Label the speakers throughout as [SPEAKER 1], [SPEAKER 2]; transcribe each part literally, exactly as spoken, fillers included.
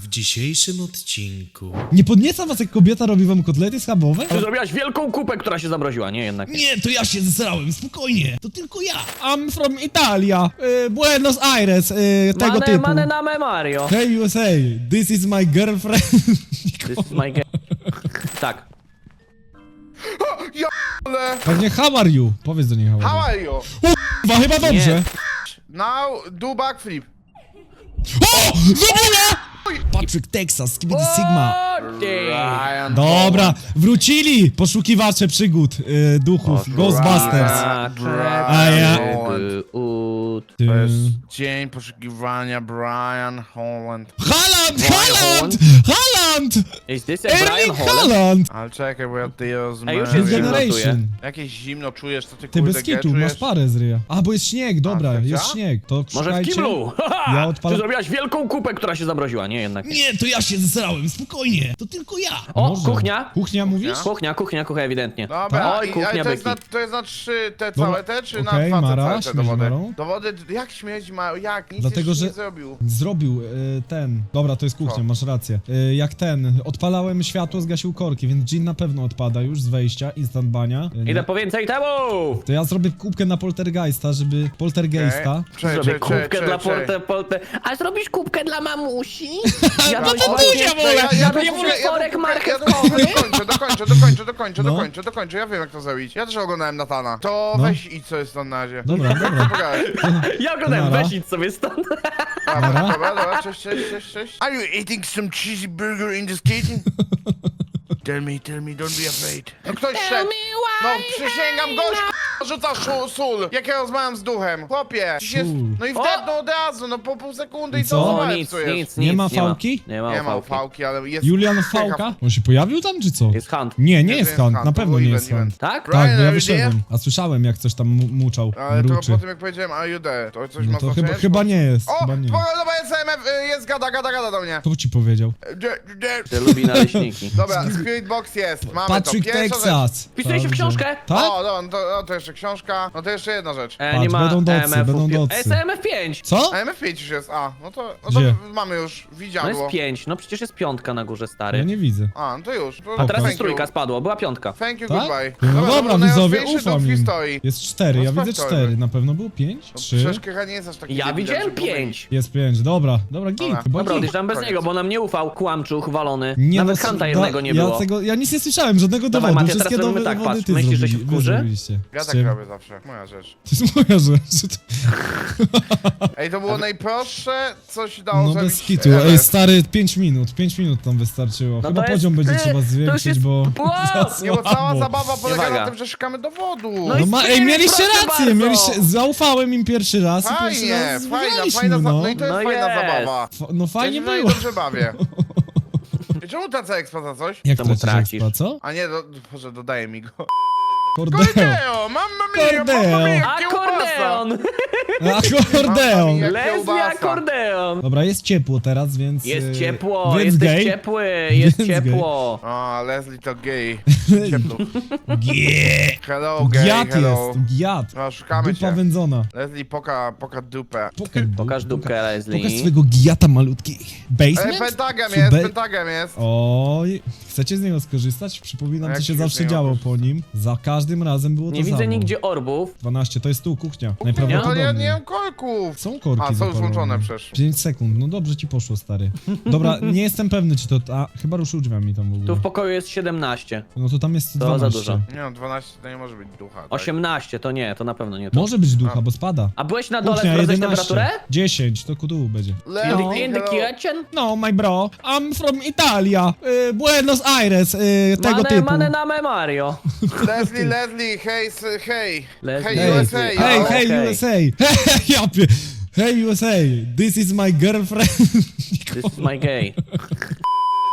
[SPEAKER 1] W dzisiejszym odcinku...
[SPEAKER 2] Nie podnieca was, jak kobieta robi wam kotlety schabowe?
[SPEAKER 3] Ty zrobiłaś wielką kupę, która się zamroziła, nie jednak.
[SPEAKER 2] Nie, to ja się zesrałem, spokojnie. To tylko ja. I'm from Italia. Y, Buenos Aires, y, tego
[SPEAKER 3] Mane,
[SPEAKER 2] typu.
[SPEAKER 3] mane name Mario.
[SPEAKER 2] Hey U S A, this is my girlfriend.
[SPEAKER 3] This is my game. Tak.
[SPEAKER 4] Ale...
[SPEAKER 2] Pewnie how are you? Powiedz do niej how
[SPEAKER 4] How
[SPEAKER 2] are
[SPEAKER 4] are you?
[SPEAKER 2] you. Chyba, chyba dobrze.
[SPEAKER 4] Now do backflip.
[SPEAKER 2] O! Zrobiła! Patrick Texas, Skibidi Sigma.
[SPEAKER 3] O, ty.
[SPEAKER 4] Ryan
[SPEAKER 2] Dobra, wrócili poszukiwacze przygód y, duchów, Ghostbusters.
[SPEAKER 3] A,
[SPEAKER 2] A ja-
[SPEAKER 3] czekaj, ut.
[SPEAKER 2] Ty...
[SPEAKER 4] To jest dzień poszukiwania Brian Holland.
[SPEAKER 2] Haaland,
[SPEAKER 3] Brian
[SPEAKER 2] Haaland,
[SPEAKER 3] Holland?
[SPEAKER 2] Haaland!
[SPEAKER 3] Is this a Brian
[SPEAKER 2] Erling
[SPEAKER 3] Holland?
[SPEAKER 2] Haaland!
[SPEAKER 4] Ale czekaj, bo ja ty
[SPEAKER 3] Ej, już
[SPEAKER 2] New
[SPEAKER 3] jest zimno.
[SPEAKER 2] Generation.
[SPEAKER 4] Jakieś zimno czujesz, to ty
[SPEAKER 2] Ty
[SPEAKER 4] kurde
[SPEAKER 2] bez kitu,
[SPEAKER 4] czujesz?
[SPEAKER 2] masz parę z ryja. A, bo jest śnieg, dobra,
[SPEAKER 4] A, tak
[SPEAKER 2] jest
[SPEAKER 4] działa?
[SPEAKER 2] śnieg. To
[SPEAKER 3] Może w
[SPEAKER 2] szukajcie.
[SPEAKER 3] kiblu?
[SPEAKER 2] Ja
[SPEAKER 3] Ty
[SPEAKER 2] odpalam...
[SPEAKER 3] zrobiłaś wielką kupę, która się zamroziła, nie jednak.
[SPEAKER 2] Nie, to ja się zesrałem, spokojnie. To tylko ja.
[SPEAKER 3] O,
[SPEAKER 2] Może.
[SPEAKER 3] kuchnia.
[SPEAKER 2] Kuchnia mówisz?
[SPEAKER 3] Kuchnia, kuchnia, kuchnia ewidentnie.
[SPEAKER 4] Dobra,
[SPEAKER 3] Oj,
[SPEAKER 4] i,
[SPEAKER 3] kuchnia
[SPEAKER 4] ale to jest, na,
[SPEAKER 3] Becky.
[SPEAKER 4] to jest na trzy te
[SPEAKER 2] Dobra,
[SPEAKER 4] całe te, czy
[SPEAKER 2] okej,
[SPEAKER 4] na dwa te
[SPEAKER 2] Mara,
[SPEAKER 4] całe te
[SPEAKER 2] śmieć
[SPEAKER 4] dowody?
[SPEAKER 2] Marą.
[SPEAKER 4] Dowody, jak śmieć ma, jak? Nic
[SPEAKER 2] Dlatego,
[SPEAKER 4] jeszcze
[SPEAKER 2] że-
[SPEAKER 4] nie zrobił.
[SPEAKER 2] Zrobił y, ten. Dobra, to jest kuchnia,
[SPEAKER 4] Co?
[SPEAKER 2] masz rację. Y, jak ten. Odpalałem światło, zgasił korki, więc Jean na pewno odpada już z wejścia, instant bania. Y, nie.
[SPEAKER 3] Idę po więcej temu!
[SPEAKER 2] To ja zrobię kubkę na poltergeista, żeby poltergeista.
[SPEAKER 4] Czekaj,
[SPEAKER 3] Zrobię
[SPEAKER 4] czekaj,
[SPEAKER 3] kubkę
[SPEAKER 4] czekaj,
[SPEAKER 3] dla
[SPEAKER 4] czekaj.
[SPEAKER 3] porte, porte. A zrobisz kubkę dla mamusi? Ja
[SPEAKER 2] No to
[SPEAKER 3] właśnie-
[SPEAKER 2] Buzia wolę!
[SPEAKER 4] Ja, ja,
[SPEAKER 3] Jadłeś
[SPEAKER 4] ja, ja, ja,
[SPEAKER 3] potworek
[SPEAKER 4] ja,
[SPEAKER 3] marchewkowy?
[SPEAKER 4] dokończę, dokończę, dokończę, dokończę,
[SPEAKER 2] No.
[SPEAKER 4] dokończę, dokończę, ja wiem jak to zrobić. Ja też oglądałem Natana. To
[SPEAKER 2] No.
[SPEAKER 4] weź i co jest tam na razie.
[SPEAKER 2] Dobra, dobra.
[SPEAKER 4] Pogadaj.
[SPEAKER 3] Ja oglądałem,
[SPEAKER 2] Nara.
[SPEAKER 3] weź idź sobie stąd.
[SPEAKER 4] Dobra,
[SPEAKER 2] Nara.
[SPEAKER 4] dobra, dobra, cześć, cześć, cześć, cześć. Are you eating some cheesy burger in this kitchen? Tell me, tell me, don't be afraid. No ktoś szedł. No przysięgam, gość k***a, rzuca szu- sól. Jak ja rozmawiam z duchem. Chłopie, dziś jest...
[SPEAKER 2] Sól.
[SPEAKER 4] No i wdepnął od razu, no po pół sekundy
[SPEAKER 2] I
[SPEAKER 4] i
[SPEAKER 2] co?
[SPEAKER 4] to
[SPEAKER 3] O,
[SPEAKER 4] złe
[SPEAKER 3] nic,
[SPEAKER 4] psujesz.
[SPEAKER 3] nic,
[SPEAKER 2] Nie
[SPEAKER 3] nic.
[SPEAKER 2] ma fałki?
[SPEAKER 3] Nie ma,
[SPEAKER 4] Nie ma
[SPEAKER 3] fałki.
[SPEAKER 4] fałki, ale jest...
[SPEAKER 2] Julian Fałka? On się pojawił tam, czy co?
[SPEAKER 3] Jest hunt.
[SPEAKER 2] Nie, nie
[SPEAKER 4] Nie,
[SPEAKER 2] jest
[SPEAKER 4] to jest
[SPEAKER 2] Hunt,
[SPEAKER 4] Hunt,
[SPEAKER 2] na
[SPEAKER 4] to
[SPEAKER 2] pewno
[SPEAKER 4] był
[SPEAKER 2] nie
[SPEAKER 4] event,
[SPEAKER 2] jest Hunt.
[SPEAKER 4] event.
[SPEAKER 3] Tak?
[SPEAKER 2] Tak, bo ja
[SPEAKER 4] Brian, are you
[SPEAKER 2] wyszedłem. A słyszałem, jak coś tam mu- muczał,
[SPEAKER 4] Ale to
[SPEAKER 2] mruczy.
[SPEAKER 4] po tym jak powiedziałem, are you there? To coś
[SPEAKER 2] No
[SPEAKER 4] ma
[SPEAKER 2] to
[SPEAKER 4] znaczenie?
[SPEAKER 2] chyba, chyba nie jest,
[SPEAKER 4] O,
[SPEAKER 2] chyba nie.
[SPEAKER 4] po- dobra, jest M F, y, jest gada, gada, gada do mnie.
[SPEAKER 2] Kto ci powiedział?
[SPEAKER 4] Dzie- dzie-
[SPEAKER 3] Ty lubi naleśniki.
[SPEAKER 4] Dobra, Spirit Box jest, mamy
[SPEAKER 2] Patrick
[SPEAKER 4] to. Pierwsza rzecz.
[SPEAKER 2] Texas.
[SPEAKER 3] Wpisujesz się w
[SPEAKER 2] Dobrze.
[SPEAKER 3] książkę?
[SPEAKER 2] Tak?
[SPEAKER 4] O, dobra, no to, no to jeszcze książka, no to jeszcze jedna rzecz.
[SPEAKER 3] E,
[SPEAKER 2] Patrz,
[SPEAKER 3] nie ma
[SPEAKER 2] będą docy,
[SPEAKER 3] M F-ów.
[SPEAKER 2] będą docy.
[SPEAKER 3] Jest M F pięć.
[SPEAKER 2] Co?
[SPEAKER 4] A M F pięć już jest, a, no to, no
[SPEAKER 2] Gdzie?
[SPEAKER 4] to mamy już,
[SPEAKER 3] No
[SPEAKER 4] widziadło.
[SPEAKER 3] jest pięć, no przecież jest piątka na górze,
[SPEAKER 2] Ja
[SPEAKER 3] stary.
[SPEAKER 2] nie widzę.
[SPEAKER 4] A, no to już. To
[SPEAKER 3] A teraz
[SPEAKER 4] thank
[SPEAKER 3] jest trójka,
[SPEAKER 4] you.
[SPEAKER 3] spadło, była piątka.
[SPEAKER 4] Thank you,
[SPEAKER 2] Tak?
[SPEAKER 4] goodbye.
[SPEAKER 2] No
[SPEAKER 4] to
[SPEAKER 2] dobra,
[SPEAKER 4] był
[SPEAKER 2] widzowie,
[SPEAKER 4] najłatwiejszy
[SPEAKER 2] ufam
[SPEAKER 4] duch w
[SPEAKER 2] im.
[SPEAKER 4] historii.
[SPEAKER 2] Jest cztery,
[SPEAKER 4] No
[SPEAKER 2] ja widzę
[SPEAKER 4] sprawdź to,
[SPEAKER 2] cztery.
[SPEAKER 4] jakby.
[SPEAKER 2] Na pewno było pięć? Trzy?
[SPEAKER 4] Przecież Krycha nie jest aż taki
[SPEAKER 3] Ja
[SPEAKER 4] debilem,
[SPEAKER 3] widziałem
[SPEAKER 4] żeby powiedzieć.
[SPEAKER 3] pięć.
[SPEAKER 2] Jest pięć, dobra. Dobra, git.
[SPEAKER 4] Dobra.
[SPEAKER 2] Chyba
[SPEAKER 3] Dobra,
[SPEAKER 2] git.
[SPEAKER 3] odjeżdżam bez
[SPEAKER 4] Koniec.
[SPEAKER 3] niego, bo nam nie ufał, kłamczuch walony.
[SPEAKER 2] Nie,
[SPEAKER 3] Nawet
[SPEAKER 2] no,
[SPEAKER 3] Hanta
[SPEAKER 2] da-
[SPEAKER 3] jednego nie
[SPEAKER 2] ja
[SPEAKER 3] było.
[SPEAKER 2] Tego, ja nic nie słyszałem, żadnego
[SPEAKER 3] Dawaj,
[SPEAKER 2] dowodu.
[SPEAKER 3] Matia, teraz
[SPEAKER 2] Wszystkie
[SPEAKER 3] robimy
[SPEAKER 2] dowo-
[SPEAKER 3] tak,
[SPEAKER 2] dowody
[SPEAKER 3] patrz,
[SPEAKER 2] ty
[SPEAKER 3] myślisz, że się
[SPEAKER 2] zrobili- wy
[SPEAKER 3] wkurzy?
[SPEAKER 2] zrobiliście.
[SPEAKER 4] Ja
[SPEAKER 2] Z
[SPEAKER 4] tak
[SPEAKER 2] czym?
[SPEAKER 4] robię zawsze, moja rzecz.
[SPEAKER 2] To jest moja rzecz.
[SPEAKER 4] Ej, to było najprostsze, co się dało
[SPEAKER 2] No
[SPEAKER 4] zrobić.
[SPEAKER 2] bez kitu.
[SPEAKER 4] ever.
[SPEAKER 2] Ej, stary, pięć minut. pięć minut tam wystarczyło.
[SPEAKER 3] No
[SPEAKER 2] Chyba
[SPEAKER 3] to jest-
[SPEAKER 2] poziom będzie
[SPEAKER 3] ty,
[SPEAKER 2] trzeba
[SPEAKER 3] to już
[SPEAKER 2] zwiększyć,
[SPEAKER 3] jest-
[SPEAKER 2] bo...
[SPEAKER 3] Wow!
[SPEAKER 2] za
[SPEAKER 4] Nie, bo cała
[SPEAKER 2] słabo.
[SPEAKER 4] zabawa polega
[SPEAKER 3] Uwaga.
[SPEAKER 4] na tym, że szukamy dowodu.
[SPEAKER 3] No
[SPEAKER 2] No
[SPEAKER 3] i
[SPEAKER 2] ma, ej,
[SPEAKER 3] Spirit,
[SPEAKER 2] mieliście
[SPEAKER 3] proszę
[SPEAKER 2] rację,
[SPEAKER 3] bardzo.
[SPEAKER 2] mieliście, zaufałem im pierwszy raz i pierwszy
[SPEAKER 4] Fajnie,
[SPEAKER 2] raz
[SPEAKER 4] fajna,
[SPEAKER 2] wygraliśmy,
[SPEAKER 4] fajna, za-
[SPEAKER 2] no.
[SPEAKER 4] no i to jest
[SPEAKER 3] No
[SPEAKER 4] fajna
[SPEAKER 3] jest.
[SPEAKER 4] zabawa.
[SPEAKER 2] Fa- No
[SPEAKER 4] Ja
[SPEAKER 2] fajnie
[SPEAKER 4] się tutaj
[SPEAKER 2] było.
[SPEAKER 4] dobrze bawię. I czemu tracę expa za coś?
[SPEAKER 2] Jak
[SPEAKER 3] Czemu
[SPEAKER 2] tracisz
[SPEAKER 3] tracisz?
[SPEAKER 2] expa, co?
[SPEAKER 4] A nie, do, Boże, dodaje mi go.
[SPEAKER 2] Kordeo.
[SPEAKER 4] Kordeo, mamma mia, mamma
[SPEAKER 2] Kordeo.
[SPEAKER 4] mia, kiełbasa.
[SPEAKER 3] Akordeon!
[SPEAKER 2] Akordeon.
[SPEAKER 4] Jak
[SPEAKER 3] Leslie
[SPEAKER 4] kiełbasa.
[SPEAKER 3] akordeon!
[SPEAKER 2] Dobra, jest ciepło teraz, więc...
[SPEAKER 3] Jest
[SPEAKER 2] e,
[SPEAKER 3] ciepło,
[SPEAKER 2] więc
[SPEAKER 3] jesteś
[SPEAKER 2] gej.
[SPEAKER 3] ciepły, jest
[SPEAKER 2] Więc
[SPEAKER 3] ciepło.
[SPEAKER 4] O, Leslie to gay. Ciepło.
[SPEAKER 2] Gie.
[SPEAKER 4] Hello, gay,
[SPEAKER 2] Giat
[SPEAKER 4] hello.
[SPEAKER 2] jest, giat.
[SPEAKER 4] No, szukamy
[SPEAKER 2] Dupa
[SPEAKER 4] cię.
[SPEAKER 2] wędzona.
[SPEAKER 4] Leslie, poka, poka dupę.
[SPEAKER 2] Pokaż,
[SPEAKER 3] Pokaż dupkę,
[SPEAKER 2] Pokaż
[SPEAKER 3] Leslie.
[SPEAKER 2] swojego giata malutki.
[SPEAKER 4] Ej,
[SPEAKER 2] Basement?
[SPEAKER 4] pentagam
[SPEAKER 2] Czy
[SPEAKER 4] jest,
[SPEAKER 2] be-
[SPEAKER 4] pentagam jest.
[SPEAKER 2] Oj, chcecie z niego skorzystać? Przypominam,
[SPEAKER 4] A
[SPEAKER 2] co
[SPEAKER 4] jak
[SPEAKER 2] się
[SPEAKER 4] się z
[SPEAKER 2] zawsze
[SPEAKER 4] niego
[SPEAKER 2] działo
[SPEAKER 4] korzysta?
[SPEAKER 2] po nim. Za każdym razem było to
[SPEAKER 3] Nie widzę
[SPEAKER 2] samo.
[SPEAKER 3] nigdzie orbów.
[SPEAKER 2] dwanaście, to jest tu kuchnia.
[SPEAKER 4] No, ale ja
[SPEAKER 2] Najprawdopodobniej.
[SPEAKER 4] nie mam korków.
[SPEAKER 2] Są korki
[SPEAKER 4] A, są już
[SPEAKER 2] zapalone.
[SPEAKER 4] włączone przecież.
[SPEAKER 2] pięć sekund, no dobrze ci poszło, stary. Dobra, nie jestem pewny, czy to... A, chyba ruszył drzwiami tam w ogóle.
[SPEAKER 3] Tu w pokoju jest siedemnaście.
[SPEAKER 2] No to tam jest
[SPEAKER 3] To
[SPEAKER 2] dwanaście.
[SPEAKER 3] za dużo.
[SPEAKER 4] Nie no, dwanaście to nie może być ducha. Tak?
[SPEAKER 3] osiemnaście to nie, to na pewno nie to.
[SPEAKER 2] Może być ducha,
[SPEAKER 4] A.
[SPEAKER 2] bo spada.
[SPEAKER 3] A byłeś na dole,
[SPEAKER 2] Kuchnia
[SPEAKER 3] sprawdzałeś
[SPEAKER 2] jedenaście.
[SPEAKER 3] temperaturę?
[SPEAKER 2] dziesięć, to kudu będzie.
[SPEAKER 4] Leslie,
[SPEAKER 3] In the
[SPEAKER 4] hello.
[SPEAKER 3] kitchen?
[SPEAKER 2] No, my bro, I'm from Italia, y, Buenos Aires, y, tego
[SPEAKER 3] Mane,
[SPEAKER 2] typu.
[SPEAKER 3] mane name Mario.
[SPEAKER 4] Leslie, Leslie, hej, s- hej.
[SPEAKER 3] Leslie.
[SPEAKER 4] Hej, U S A.
[SPEAKER 3] Hey,
[SPEAKER 2] Hey,
[SPEAKER 3] O,
[SPEAKER 2] hey,
[SPEAKER 3] okej.
[SPEAKER 2] U S A. Ja pie... Hey, U S A, this is my girlfriend.
[SPEAKER 3] This is my gay.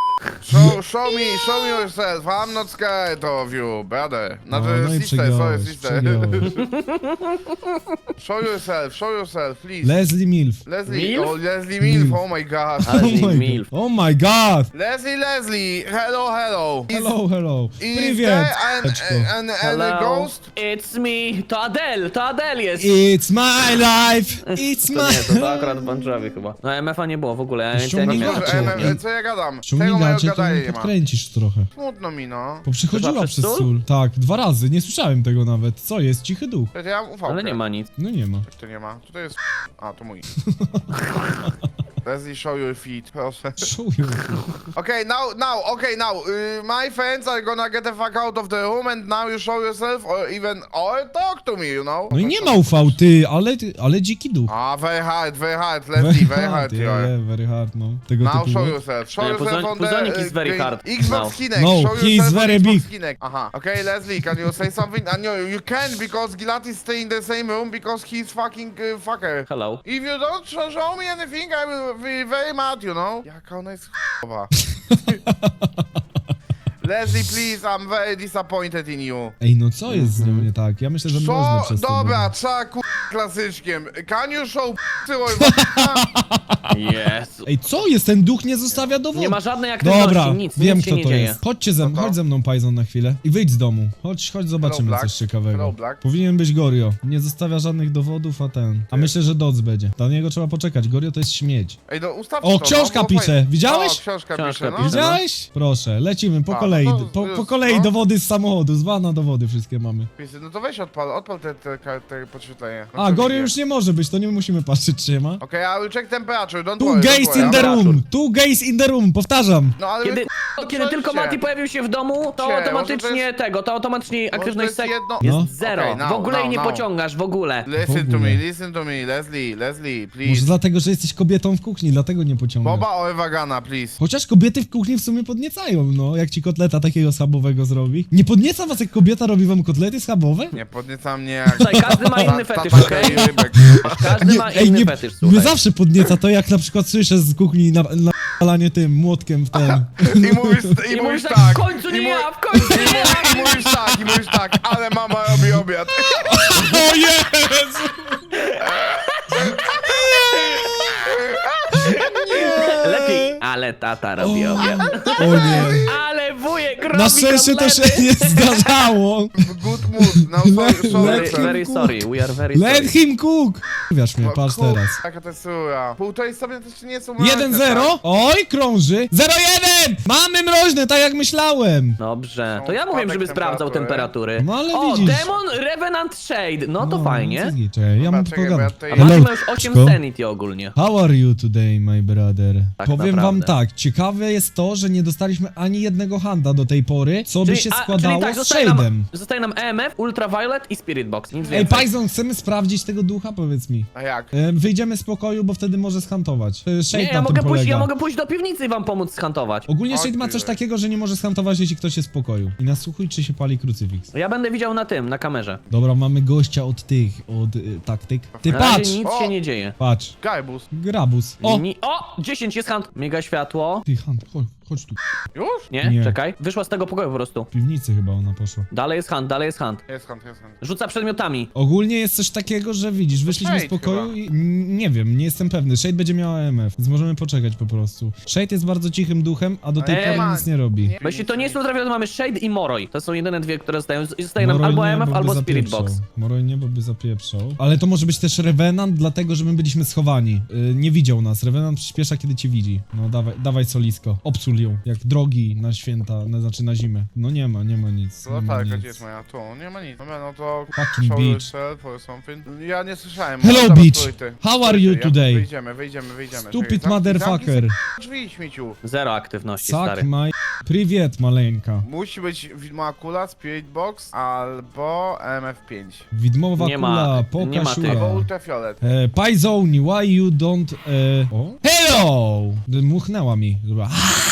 [SPEAKER 4] Show, show me, show me yourself. I'm not scared of you, brother. Znaczy,
[SPEAKER 2] O, no i
[SPEAKER 4] sister, sorry,
[SPEAKER 2] przegiąłeś,
[SPEAKER 4] sister.
[SPEAKER 2] przegiąłeś.
[SPEAKER 4] Show yourself, show yourself, please.
[SPEAKER 2] Leslie Milf.
[SPEAKER 4] Leslie,
[SPEAKER 3] Milf?
[SPEAKER 4] oh, Leslie Milf,
[SPEAKER 2] Milf.
[SPEAKER 4] oh my god.
[SPEAKER 3] Ale
[SPEAKER 2] Oh
[SPEAKER 3] z nim
[SPEAKER 2] my,
[SPEAKER 3] milf.
[SPEAKER 2] god. Oh my god!
[SPEAKER 4] Leslie, Leslie, hello, hello. Is-
[SPEAKER 2] Hello, hello.
[SPEAKER 4] Is
[SPEAKER 2] Привет,
[SPEAKER 4] there an,
[SPEAKER 2] Eczko.
[SPEAKER 4] an, an, an
[SPEAKER 3] Hello,
[SPEAKER 4] ghost?
[SPEAKER 3] it's me. To Adele, to Adele jest.
[SPEAKER 2] It's my life! It's
[SPEAKER 3] To nie, to,
[SPEAKER 2] my...
[SPEAKER 3] to akurat Bon Jovi chyba. No M F a nie było w ogóle, ja nie, ja nie
[SPEAKER 2] Ściągnij
[SPEAKER 3] miałem.
[SPEAKER 2] gacie.
[SPEAKER 4] Może,
[SPEAKER 2] Gacie.
[SPEAKER 4] em, co ja gadam? Tego
[SPEAKER 2] Ściągnij
[SPEAKER 4] mojego
[SPEAKER 2] gacie, to
[SPEAKER 4] gadaje
[SPEAKER 2] mnie
[SPEAKER 4] nie ma.
[SPEAKER 2] podkręcisz trochę.
[SPEAKER 4] Smutno mi, no.
[SPEAKER 2] Bo przychodziła
[SPEAKER 3] Chyba
[SPEAKER 2] przez
[SPEAKER 3] przez
[SPEAKER 2] sól.
[SPEAKER 3] sól?
[SPEAKER 2] Tak, dwa razy, nie słyszałem tego nawet. Co jest? Cichy duch.
[SPEAKER 4] Czekaj, ja mam ufałkę.
[SPEAKER 3] Ale nie ma nic.
[SPEAKER 2] No nie ma.
[SPEAKER 4] Jak to nie ma? Tutaj jest... A, to mój. Leslie, show your feet, proszę.
[SPEAKER 2] Szuję.
[SPEAKER 4] Okay, now, now, okay, now, uh, my friends are gonna get the fuck out of the room and now you show yourself or even, or talk to me, you know?
[SPEAKER 2] No i nie ma U V, ty, ale, ale dziki duch.
[SPEAKER 4] Ah, very hard, very hard, Leslie, very hard you
[SPEAKER 2] yeah,
[SPEAKER 4] are.
[SPEAKER 2] yeah, very hard, no. Tego
[SPEAKER 4] Now
[SPEAKER 2] typu.
[SPEAKER 4] show
[SPEAKER 2] no.
[SPEAKER 4] yourself. Show
[SPEAKER 3] Nie,
[SPEAKER 4] yourself
[SPEAKER 3] Puzon-
[SPEAKER 4] on the
[SPEAKER 3] Puzonik is
[SPEAKER 4] uh,
[SPEAKER 3] very
[SPEAKER 4] green-
[SPEAKER 3] hard
[SPEAKER 4] Xbox
[SPEAKER 3] now.
[SPEAKER 4] Kinect.
[SPEAKER 2] No,
[SPEAKER 4] show
[SPEAKER 2] he is
[SPEAKER 4] yourself on
[SPEAKER 2] very
[SPEAKER 4] Xbox
[SPEAKER 2] big.
[SPEAKER 4] Kinect. Aha. Okay, Leslie, can you say something? Uh, no, you can because Gilati stay in the same room because he's fucking uh, fucker.
[SPEAKER 3] Hello.
[SPEAKER 4] If you don't show, show me anything, I will be very mad, you know? Jaka ona jest ch**owa. Leslie, please, I'm very disappointed in you.
[SPEAKER 2] Ej, no co jest z nią nie tak? Ja myślę, że można
[SPEAKER 4] Co?
[SPEAKER 2] przez to
[SPEAKER 4] Dobra,
[SPEAKER 2] mówić.
[SPEAKER 4] trzeba ku... klasyczkiem. Can you show p***y or
[SPEAKER 3] Jezu.
[SPEAKER 2] Ej, co jest? Ten duch nie zostawia dowodu.
[SPEAKER 3] Nie ma żadnej aktywności,
[SPEAKER 2] Dobra,
[SPEAKER 3] nic,
[SPEAKER 2] wiem
[SPEAKER 3] nic się
[SPEAKER 2] kto
[SPEAKER 3] nie
[SPEAKER 2] to
[SPEAKER 3] dzieje.
[SPEAKER 2] jest. Chodźcie ze mną,
[SPEAKER 4] to?
[SPEAKER 2] chodź ze mną, Pajzon, na chwilę. I wyjdź z domu. Chodź, chodź, zobaczymy
[SPEAKER 4] Black.
[SPEAKER 2] coś ciekawego.
[SPEAKER 4] Hello, Black.
[SPEAKER 2] Powinien być Gorio. Nie zostawia żadnych dowodów, a ten. A myślę, że Doc będzie. Dla niego trzeba poczekać. Gorio to jest śmieć.
[SPEAKER 4] Ej, no ustawcie
[SPEAKER 2] O,
[SPEAKER 4] to,
[SPEAKER 2] książka
[SPEAKER 4] no, bo
[SPEAKER 2] pisze.
[SPEAKER 4] fajnie.
[SPEAKER 2] Widziałeś?
[SPEAKER 4] O, książka,
[SPEAKER 3] Książka
[SPEAKER 4] pisze, no.
[SPEAKER 3] pisze.
[SPEAKER 2] Widziałeś? Proszę, lecimy po
[SPEAKER 4] A,
[SPEAKER 2] kolei.
[SPEAKER 4] no to
[SPEAKER 2] Po, po
[SPEAKER 4] już,
[SPEAKER 2] kolei
[SPEAKER 4] no.
[SPEAKER 2] dowody z samochodu. Z wana dowody wszystkie mamy.
[SPEAKER 4] Pisy, no to weź odpal, odpal te, te, te, te podświetlenie. No
[SPEAKER 2] A,
[SPEAKER 4] co
[SPEAKER 2] Gorio
[SPEAKER 4] widzę?
[SPEAKER 2] już nie może być, to nie musimy patrzeć, czy nie ma.
[SPEAKER 4] Okej, I will check temperature, don't
[SPEAKER 2] Two
[SPEAKER 4] worry, don't
[SPEAKER 2] gays
[SPEAKER 4] worry.
[SPEAKER 2] in the
[SPEAKER 4] I'm-
[SPEAKER 2] room! Two gays in the room! Powtarzam!
[SPEAKER 4] No ale
[SPEAKER 3] Kiedy,
[SPEAKER 4] wy- no
[SPEAKER 3] kiedy tylko
[SPEAKER 4] przejdźcie.
[SPEAKER 3] Mati pojawił się w domu, to
[SPEAKER 4] Cie,
[SPEAKER 3] automatycznie
[SPEAKER 4] może to jest-
[SPEAKER 3] tego, to automatycznie aktywność
[SPEAKER 4] jest
[SPEAKER 3] sek
[SPEAKER 4] jedno-
[SPEAKER 3] jest
[SPEAKER 2] No.
[SPEAKER 3] zero.
[SPEAKER 4] Okej, now,
[SPEAKER 3] w ogóle jej
[SPEAKER 4] now,
[SPEAKER 3] nie
[SPEAKER 4] now.
[SPEAKER 3] pociągasz, w ogóle.
[SPEAKER 4] Listen
[SPEAKER 2] W
[SPEAKER 4] to
[SPEAKER 2] ogóle.
[SPEAKER 4] me, listen to me, Leslie, Leslie,
[SPEAKER 2] Może
[SPEAKER 4] please.
[SPEAKER 2] dlatego, że jesteś kobietą w kuchni, dlatego nie pociągasz.
[SPEAKER 4] Boba or Vagana, please.
[SPEAKER 2] Chociaż kobiety w kuchni w sumie podniecają, no. Jak ci kotleta takiego schabowego zrobi. Nie podnieca was, jak kobieta robi wam kotlety schabowe?
[SPEAKER 4] Nie podnieca mnie jak...
[SPEAKER 3] Słuchaj, każdy ma inny
[SPEAKER 4] Ta-
[SPEAKER 3] fetysz,
[SPEAKER 4] ta-
[SPEAKER 3] okej?
[SPEAKER 4] ta- rybek.
[SPEAKER 3] Każdy ma
[SPEAKER 2] ej,
[SPEAKER 3] inny
[SPEAKER 2] nie,
[SPEAKER 3] fetysz,
[SPEAKER 2] mnie
[SPEAKER 3] słuchaj.
[SPEAKER 2] zawsze podnieca to, jak na przykład słyszę z kuchni na, na lanie tym młotkiem w ten.
[SPEAKER 4] I mówisz, i
[SPEAKER 3] I
[SPEAKER 4] mówisz
[SPEAKER 3] mówisz
[SPEAKER 4] tak.
[SPEAKER 3] tak, w końcu
[SPEAKER 4] i
[SPEAKER 3] nie
[SPEAKER 4] mu-
[SPEAKER 3] ja, w końcu
[SPEAKER 4] I,
[SPEAKER 3] nie
[SPEAKER 4] mu-
[SPEAKER 3] ja!
[SPEAKER 4] I mówisz tak, i mówisz tak, ale mama robi obiad.
[SPEAKER 2] O Jezu!
[SPEAKER 3] Lepiej, ale tata robi obiad.
[SPEAKER 2] O nie.
[SPEAKER 3] Ale wujek robi
[SPEAKER 2] Na szczęście to
[SPEAKER 3] kotlety.
[SPEAKER 2] się nie zdarzało.
[SPEAKER 4] W good mood, no sorry, sorry.
[SPEAKER 3] Very,
[SPEAKER 4] sorry.
[SPEAKER 3] very sorry, we are very
[SPEAKER 2] Let
[SPEAKER 3] sorry.
[SPEAKER 2] him cook! Wiesz mnie,
[SPEAKER 4] No,
[SPEAKER 2] patrz
[SPEAKER 4] kur-
[SPEAKER 2] teraz.
[SPEAKER 4] Jaka to jest sura. Półtorej sobie to jeszcze nie są mroźne,
[SPEAKER 2] jeden
[SPEAKER 4] tak?
[SPEAKER 2] zero. Oj, krąży. zero jeden! Mamy mroźne, tak jak myślałem.
[SPEAKER 3] Dobrze, to
[SPEAKER 4] Są
[SPEAKER 3] ja mówiłem, żeby
[SPEAKER 4] spadek
[SPEAKER 3] sprawdzał
[SPEAKER 4] temperatury.
[SPEAKER 3] temperatury.
[SPEAKER 2] No, ale
[SPEAKER 3] o,
[SPEAKER 2] widzisz.
[SPEAKER 3] Demon Revenant Shade, no to
[SPEAKER 2] No,
[SPEAKER 3] fajnie.
[SPEAKER 2] co z niej? Czekaj, ja
[SPEAKER 4] Dobra,
[SPEAKER 2] mam
[SPEAKER 4] czekaj,
[SPEAKER 2] tylko
[SPEAKER 4] bo ja
[SPEAKER 2] gadać.
[SPEAKER 4] tutaj-
[SPEAKER 3] A
[SPEAKER 2] Hello,
[SPEAKER 3] Mati ma już osiem
[SPEAKER 2] Czko.
[SPEAKER 3] sanity ogólnie.
[SPEAKER 2] How are you today, my brother?
[SPEAKER 3] Tak
[SPEAKER 2] Powiem wam
[SPEAKER 3] naprawdę.
[SPEAKER 2] tak, ciekawe jest to, że nie dostaliśmy ani jednego handa do tej pory, co by się
[SPEAKER 3] a,
[SPEAKER 2] składało
[SPEAKER 3] czyli tak,
[SPEAKER 2] z
[SPEAKER 3] zostaje
[SPEAKER 2] Shade'em.
[SPEAKER 3] nam, zostaje nam E M F, Ultraviolet i Spirit Box, nic
[SPEAKER 2] Ej,
[SPEAKER 3] więcej.
[SPEAKER 2] Pajzon, chcemy sprawdzić tego ducha, powiedz mi.
[SPEAKER 4] A jak?
[SPEAKER 2] E, Wyjdziemy z pokoju, bo wtedy może schantować. E, Shade
[SPEAKER 3] Nie,
[SPEAKER 2] na
[SPEAKER 3] ja
[SPEAKER 2] tym
[SPEAKER 3] mogę, pójść,
[SPEAKER 2] polega.
[SPEAKER 3] ja mogę pójść do piwnicy i wam pomóc skantować.
[SPEAKER 2] Ogólnie
[SPEAKER 4] O,
[SPEAKER 2] Shade ma
[SPEAKER 4] ty
[SPEAKER 2] coś
[SPEAKER 4] weź.
[SPEAKER 2] takiego, że nie może schantować, jeśli ktoś jest w pokoju. I nasłuchuj, czy się pali krucyfiks.
[SPEAKER 3] Ja będę widział na tym, na kamerze.
[SPEAKER 2] Dobra, mamy gościa od tych, od y, taktyk. Ty
[SPEAKER 3] Na razie
[SPEAKER 2] patrz!
[SPEAKER 3] nic
[SPEAKER 4] O!
[SPEAKER 3] się nie dzieje.
[SPEAKER 2] Patrz,
[SPEAKER 4] Gajbus.
[SPEAKER 2] grabus. O!
[SPEAKER 3] Ni o, dziesięć jest hand. Miga światło.
[SPEAKER 2] Ty, hand, chodź, chodź tu.
[SPEAKER 4] Już?
[SPEAKER 3] Nie,
[SPEAKER 2] Nie.
[SPEAKER 3] czekaj. Wyszła z tego pokoju po prostu.
[SPEAKER 2] W piwnicy chyba ona poszła.
[SPEAKER 3] Dalej jest hand, dalej jest hand.
[SPEAKER 4] Jest hand, jest hand.
[SPEAKER 3] Rzuca przedmiotami.
[SPEAKER 2] Ogólnie jest coś takiego, że widzisz, wyszliśmy z
[SPEAKER 4] Shade
[SPEAKER 2] pokoju
[SPEAKER 4] chyba.
[SPEAKER 2] i n- nie wiem, nie jestem pewny. Shade będzie miała E M F, więc możemy poczekać po prostu. Shade jest bardzo cichym duchem, a do tej
[SPEAKER 3] Eee,
[SPEAKER 2] pory
[SPEAKER 4] ma-
[SPEAKER 2] nic nie robi.
[SPEAKER 3] Bo jeśli to nie jest ultraviolet, mamy Shade i Moroi. To są jedyne dwie, które zostają. I zostaje nam
[SPEAKER 2] Moroj
[SPEAKER 3] albo
[SPEAKER 2] nie,
[SPEAKER 3] E M F,
[SPEAKER 2] bo by
[SPEAKER 3] albo Spirit
[SPEAKER 2] zapieprzał.
[SPEAKER 3] Box.
[SPEAKER 2] Moroj nie, bo by zapieprzał. Ale to może być też Revenant, dlatego że my byliśmy schowani. Yy, nie widział nas. Revenant przyspiesza, kiedy cię widzi. No dawaj, dawaj solisko. Obsul ją. Jak drogi na święta, na, znaczy na zimę. No nie ma, nie ma nic.
[SPEAKER 4] No
[SPEAKER 2] nie ma
[SPEAKER 4] tak,
[SPEAKER 2] nic.
[SPEAKER 4] gdzie jest moja? Tu, nie ma nic. Dobra, no to...
[SPEAKER 2] Fucking
[SPEAKER 4] show
[SPEAKER 2] bitch.
[SPEAKER 4] yourself or something. Ja nie słyszałem.
[SPEAKER 2] Hello,
[SPEAKER 4] Dobra,
[SPEAKER 2] bitch.
[SPEAKER 4] stój ty.
[SPEAKER 2] How
[SPEAKER 4] Stój
[SPEAKER 2] are
[SPEAKER 4] ty,
[SPEAKER 2] you
[SPEAKER 4] ja-
[SPEAKER 2] today?
[SPEAKER 4] Wyjdziemy, wyjdziemy, wyjdziemy.
[SPEAKER 2] Stupid
[SPEAKER 4] Czekaj, zamknij-
[SPEAKER 2] motherfucker.
[SPEAKER 4] zamknij Drzwi, śmieciu.
[SPEAKER 3] Zero aktywności,
[SPEAKER 2] Suck
[SPEAKER 3] stary.
[SPEAKER 2] my... Priwiet, maleńka.
[SPEAKER 4] Musi być widmowa kula, Spirit Box albo M F pięć.
[SPEAKER 2] Widmowa
[SPEAKER 3] Nie ma-
[SPEAKER 2] kula,
[SPEAKER 3] nie ma
[SPEAKER 2] pokasiura.
[SPEAKER 3] tych.
[SPEAKER 4] Albo Ultrafiolet.
[SPEAKER 2] E, Pajzoni, why you don't... E... O? Hello! Dmuchnęła mi. Dobra.